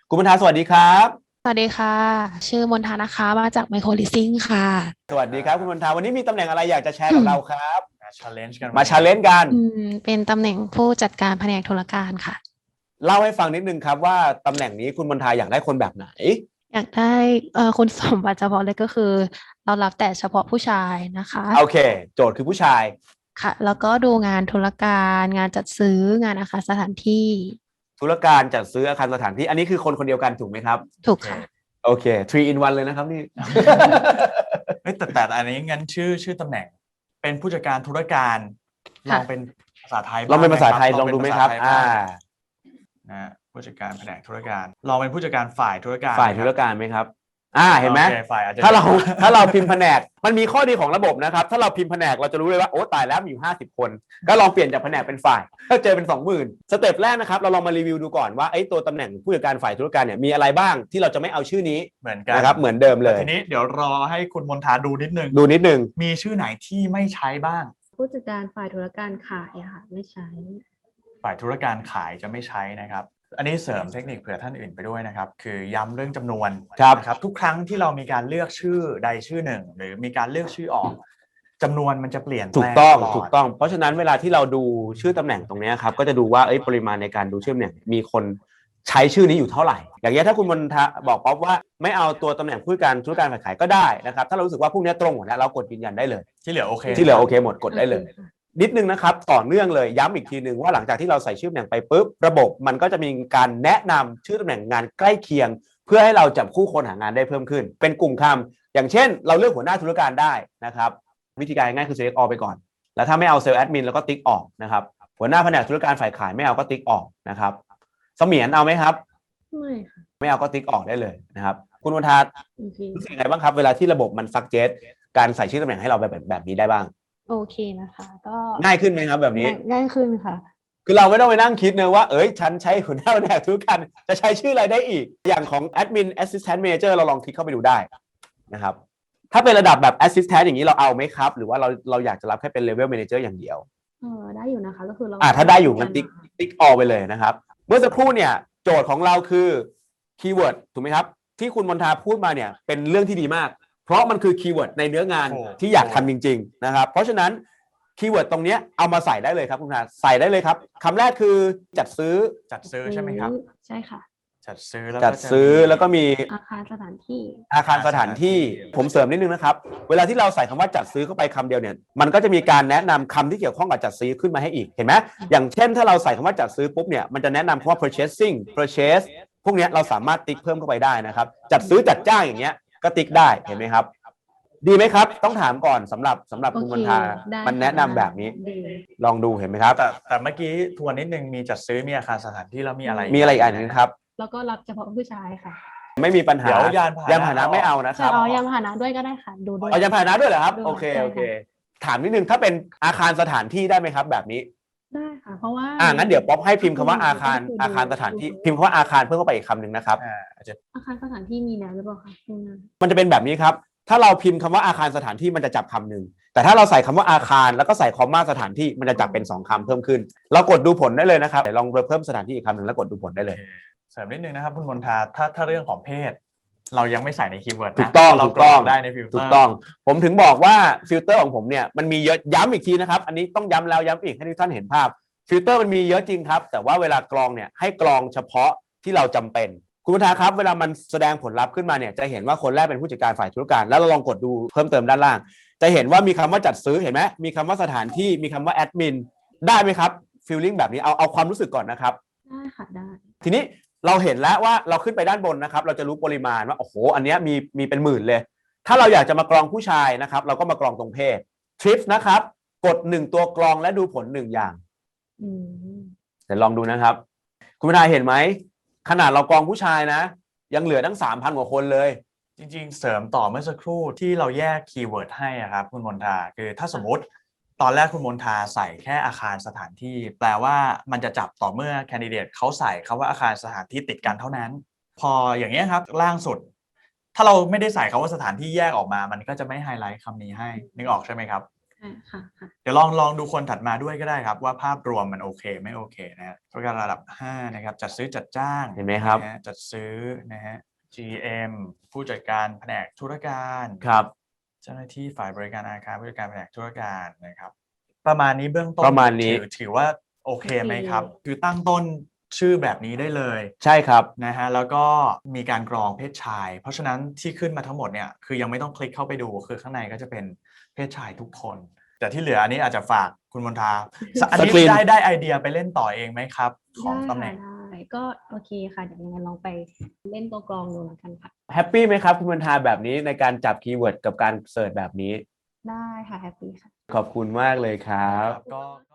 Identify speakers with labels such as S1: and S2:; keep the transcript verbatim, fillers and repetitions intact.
S1: คุณบรรทาสวัสดีครับ
S2: สวัสดีค่ะชื่อมนทานะคะมาจากไมโครลิสซิ่งค่ะ
S1: สวัสดีครับคุณบรรทาวันนี้มีตำแหน่งอะไรอยากจะแชร์กับเราครับ
S3: มา challenge กันวั
S1: มา
S3: นนี้
S1: ชาเลนจ์กัน
S2: อืมเป็นตำแหน่งผู้จัดการแผนกธุรการค่ะ
S1: เล่าให้ฟังนิดนึงครับว่าตำแหน่งนี้คุณบรรทาอยากได้คนแบบไหน
S2: อยากได้เอ่อคุณสมบัติเฉพาะเลยก็คือเรารับแต่เฉพาะผู้ชายนะคะ
S1: โอเคโจทย์คือผู้ชาย
S2: ค่ะแล้วก็ดูงานธุรการงานจัดซื้องานอาคารสถานที่
S1: ธุรการจัดซื้ออาคารสถานที่อันนี้คือคนคนเดียวกันถูกไหมครับ
S2: ถูกค่ะ
S1: โอเค three in one เลยนะครับนี่
S3: เฮ้ยแต่แต่อันนี้งั้นชื่อชื่อตำแหน่งเป็นผู้จัดการธุรการลองเป็นภาษาไทย
S1: ลองเป็นภาษาไทย
S3: บ้
S1: ลองดูไหมครับ อ่า
S3: นะผู้จัดการแผนกธุรการลองเป็นผู้จัดการฝ่ายธุรการ
S1: ฝ่ายธุรการไหมครับ อ่า เห็นไหม
S3: โอคฝ่ายอาจจะ
S1: ถ้าเราถ้าเราพิมพ์แผนกมันมีข้อดีของระบบนะครับ ถ้าเราพิมพ์แผนกเราจะรู้เลยว่าโอ้ตายแล้วมีอยู่ห้าสิบคน ก็ลองเปลี่ยนจากแผนกเป็นฝ่ายก็เจอเป็นสองหมื่นสเต็ปแรกนะครับเราลองมารีวิวดูก่อนว่าไอ้ตัวตำแหน่งผู้จัดการฝ่ายธุรการเนี่ยมีอะไรบ้างที่เราจะไม่เอาชื่อนี้
S3: เหมือนกัน
S1: นะครับเหมือนเดิมเลย
S3: ทีนี้เดี๋ยวรอให้คุณมนทาดูนิดนึง
S1: ดูนิดนึง
S3: มีชื่อไหนที่ไม่ใช้บ้าง
S4: ผู้จัดการฝ่ายธุรการขายอะค่ะไม่ใช้
S3: ฝ่ายธุรการขายจะไม่ใช้นะครับ อันนี้เสริมเทคนิคเผื่อท่านอื่นไปด้วยนะครับ คือย้ำเรื่องจำนวน
S1: ครับ
S3: นะครับทุกครั้งที่เรามีการเลือกชื่อใดชื่อหนึ่ง หรือมีการเลือกชื่อออกจำนวนมันจะเปลี่ยนแปล
S1: ถูกต้อง
S3: ลด
S1: ถูกต้องเพราะฉะนั้นเวลาที่เราดูชื่อตำแหน่งตรงเนี้ยครับก็จะดูว่าเอ้ยปริมาณในการดูชื่อเนี่ยมีคนใช้ชื่อนี้อยู่เท่าไหร่ อย่างเงี้ยถ้าคุณมนทะบอกป๊อปว่าไม่เอาตัวตำแหน่งผู้จัดการธุรการฝ่ายขายก็ได้นะครับถ้าเรารู้สึกว่าพวกเนี้ยตรงหมดแล้วเรากดยืนยันได้เลย
S3: ที่เหลือโอเค
S1: ที่เหลือโอเคหมดกดได้เลย นิดนึงนะครับต่อเนื่องเลยย้ำอีกทีนึงว่าหลังจากที่เราใส่ชื่อตำแหน่งไปปุ๊บระบบมันก็จะมีการแนะนำชื่อตำแหน่งงานใกล้เคียง เพื่อให้เราจับคู่คนหางานได้เพิ่มขึ้น เป็นกลุ่มคำอย่างเช่น เราเลือกหัวหน้าธุรการได้นะครับวิธีการง่ายคือ select all ไปก่อนแล้วถ้าไม่เอาเซลล์แอดมินแล้วก็ติ๊กออกนะครับหัวหน้าแผนกธุรการฝ่ายขายไม่เอาก็ติ๊กออกนะครับเสมียนเอาไหมครับ
S4: ไม่ค่ะ
S1: ไม่เอาก็ติ๊กออกได้เลยนะครับคุณวันทา
S4: โอเค
S1: รู้สึกยังไงบ้างครับเวลาที่ระบบมันซักเจสการใส่ชื่อตำแหน่งให้เราแบบแบบนี้ได้บ้าง
S4: โอเคนะคะ ก็
S1: ง่ายขึ้นไหมครับแบบนี้
S4: ง่ายง่ายขึ้นค่ะ
S1: คือเราไม่ต้องไปนั่งคิดเนอะว่าเอ้ยฉันใช้หัวหน้าแผนกธุรการจะใช้ชื่ออะไรได้อีก อย่างของ Admin Assistant Manager เราลองคลิกเข้าไปดูได้นะครับถ้าเป็นระดับแบบ Assistant อย่างนี้เราเอาไหมครับ หรือว่าเราเราอยากจะรับแค่เป็น Level Manager อย่างเดียว
S4: เออได้อยู่นะคะก็คือเรา
S1: อ่าถ้าได้อยู่งั้นติ๊ก
S4: ค่ะ
S1: ติ๊กออไปเลยนะครับ เมื่อสักครู่เนี่ยโจทย์ของเราคือคีย์เวิร์ดถูกไหมครับ ที่คุณมนทาพูดมาเนี่ยเป็นเรื่องที่ดีมาก เพราะมันคือคีย์เวิร์ดในเนื้องาน
S3: โอ้
S1: ที่อยากทำจริงๆนะครับเพราะฉะนั้นคีย์เวิร์ดตรงเนี้ยเอามาใส่ได้เลยครับคุณมนทาใส่ได้เลยครับคำแรกคือจัดซื้อ
S3: จัดซื้อใช่ไหมครับ
S4: ใช่ค่ะ
S3: จัดซื้อแล้ว
S1: จัดซื้อแล้วก็มี
S4: อาคารสถานที่
S1: อาคารสถานที่ผมเสริมนิดนึงนะครับเวลาที่เราใส่คำว่าจัดซื้อเข้าไปคำเดียวเนี่ยมันก็จะมีการแนะนำคำที่เกี่ยวข้องกับจัดซื้อขึ้นมาให้อีกเห็นไหมอย่างเช่นถ้าเราใส่คำว่าจัดซื้อปุ๊บเนี่ยมันจะแนะนำคำว่า purchasing purchase พวกเนี้ยเราสามารถติ๊กเพิ่มเข้าไปได้นะครับจัดซื้อจัดจ้างอย่างเงี้ยก็ติ๊กได้เห็นไหมครับดีไหมครับต้องถามก่อนสำหรับสำหรับ
S4: โอ
S1: คุณ
S4: เค
S1: มณฑา
S4: ได้
S1: มันแนะนำแบบนี้
S4: ดี
S1: ลองดูเห็นไหมครับ
S3: แต่แต่เมื่อกี้ทวนนิดนึงมีจัดซื้อมีอาคารสถานที่แล้วมีอะไร
S1: มีอะไรอีกอันหนึงครับ
S4: แล้วก็รับเฉพาะผู้ชายค่ะ
S1: ไม่มีปัญหา
S3: เดี๋ยวยานพาหนะ
S1: ยานพาหนะไม่เอานะค
S4: ใช่
S1: รับ
S4: เอายานพาหนะด้วยก็ได้ค่ะ ดูด้วย
S1: เอายานพาหนะด้วยเหรอครับ
S4: ด้วย
S1: โอเค
S4: ใช่
S1: โอเค
S4: ค่ะ
S1: ถามนิดนึงถ้าเป็นอาคารสถานที่ได้ไหมครับแบบนี้
S4: ได้ค่ะ เพราะว่า
S1: อ่างั้นเดี๋ยวป๊อปให้พิมพ์คำว่าอาคาร
S4: ก็คือดู
S1: อาคารสถานที่พิมพ์คำว่าอาคารเพิ่มเข้าไปอีกคำหนึ่งนะครับ
S3: อ่าอาจจะ
S4: อาคารสถานที่มีแล้วหรือเปล่าคะข้างหน้า
S1: มันจะเป็นแบบนี้ครับถ้าเราพิมพ์คำว่าอาคารสถานที่มันจะจับคำหนึ่งแต่ถ้าเราใส่คำว่าอาคารแล้วก็ใส่คอมมาสถานที่มันจะจับเป็นสองคำเพิ่มขึ้น เรากดดูผลได้เลยนะครับเดี๋ยวลองเพิ่มสถานที่อีกคำหนึ่งแล้วกดดูผลได้เลย
S3: เสริมนิดนึงนะครับคุณมนทาถ้าถ้าเรื่องของเพศ เรายังไม่ใส่ในคีย์เวิร์ดนะ
S1: ถูกต้อง
S3: เรา
S1: ถูก
S3: กร
S1: ต้
S3: อ
S1: อง
S3: กได้ในฟิลเตอร์
S1: ถูกต้อง ผมถึงบอกว่าฟิลเตอร์ของผมเนี่ยมันมีเยอะย้ำอีกทีนะครับอันนี้ต้องย้ำแล้วย้ำอีกให้ทุกท่านเห็นภาพฟิลเตอร์มันมีเยอะจริงครับแต่ว่าเวลากรองเนี่ยให้กรองเฉพาะที่เราจำเป็นคุณพุทธาครับเวลามันแสดงผลลัพธ์ขึ้นมาเนี่ยจะเห็นว่าคนแรกเป็นผู้จัดการฝ่ายธุรการแล้วเราลองกดดูเพิ่มเติมด้านล่าง จะเห็นว่ามีคำว่าจัดซื้อเห็นไหมมีคำว่าสถานที่มีคำว่าแอดมินได้ไหมครับฟีลลิ่งแบบนี้เอาเอาความรู้สึกก่อนนะครับ
S4: ได้ค่ะได้
S1: ทีนี้เราเห็นแล้วว่าเราขึ้นไปด้านบนนะครับเราจะรู้ปริมาณว่าโอ้โหอันเนี้ยมีมีเป็นหมื่นเลย ถ้าเราอยากจะมากรองผู้ชายนะครับเราก็มากรองตรงเพศทริปนะครับกดหนึ่งตัวกรองและดูผลหนึ่งอย่าง
S4: อืม
S1: เดี๋ยวลองดูนะครับ คุณพิธาเห็นไหมขนาดเรากรองผู้ชายนะ ยังเหลือตั้งสามพันกว่าคนเลย
S3: จริงๆ เสริมต่อเมื่อสักครู่ที่เราแยกคีย์เวิร์ดให้อะครับคุณมนทาคือถ้าสมมติตอนแรกคุณมนทาใส่แค่อาคารสถานที่ แปลว่ามันจะจับต่อเมื่อแคนดิเดตเขาใส่คำว่าอาคารสถานที่ติดกันเท่านั้น พออย่างเงี้ยครับล่างสุด ถ้าเราไม่ได้ใส่คำว่าสถานที่แยกออกมา มันก็จะไม่ไฮไลท์คำนี้ให้นึกออกใช่ไหมครับ
S4: อ่าค่ะค่ะ
S3: เดี๋ยวลองลองดูคนถัดมาด้วยก็ได้ครับว่าภาพรวมมันโอเคไม่โอเคนะฮะธุรการระดับห้านะครับจัดซื้อจัดจ้าง
S1: เห็นไหมครับ
S3: นะฮะจัดซื้อนะฮะ จี เอ็ม ผู้จัดการแผนกธุรการ
S1: ครับ
S3: เจ้าหน้าที่ฝ่ายบริการอาคารผู้จัดการแผนกธุรการนะครับ ประมาณนี้เบื้องต้น
S1: ประมาณนี้
S3: ถือถือว่าโอเคไหมครับ
S4: โอเค
S3: คือตั้งต้นชื่อแบบนี้ได้เลย
S1: ใช่ครับ
S3: นะฮะแล้วก็มีการกรองเพศชาย เพราะฉะนั้นที่ขึ้นมาทั้งหมดเนี่ยคือยังไม่ต้องคลิกเข้าไปดูคือข้างในก็จะเป็นเพศชายทุกคน แต่ที่เหลืออันนี้อาจจะฝากคุณมนทาสอันนี้
S1: สกรีน
S3: ได้ได้ไอเดียไปเล่นต่อเองไหมครับ ของ
S4: ได้
S3: ตำแหน่
S4: ค่ะ
S3: ง
S4: ได้ก็โอเคค่ะเดี๋ยวยังไงลองไปเล่นตัวกรองดูแล้วกันค่ะ
S1: แฮปปี้ไหมครับคุณบรรทาแบบนี้ในการจับคีย์เวิร์ดกับการเสิร์ชแบบนี้
S4: ได้ค่ะแฮปปี้ค่ะ
S1: ขอบคุณมากเลยครับ
S3: ก็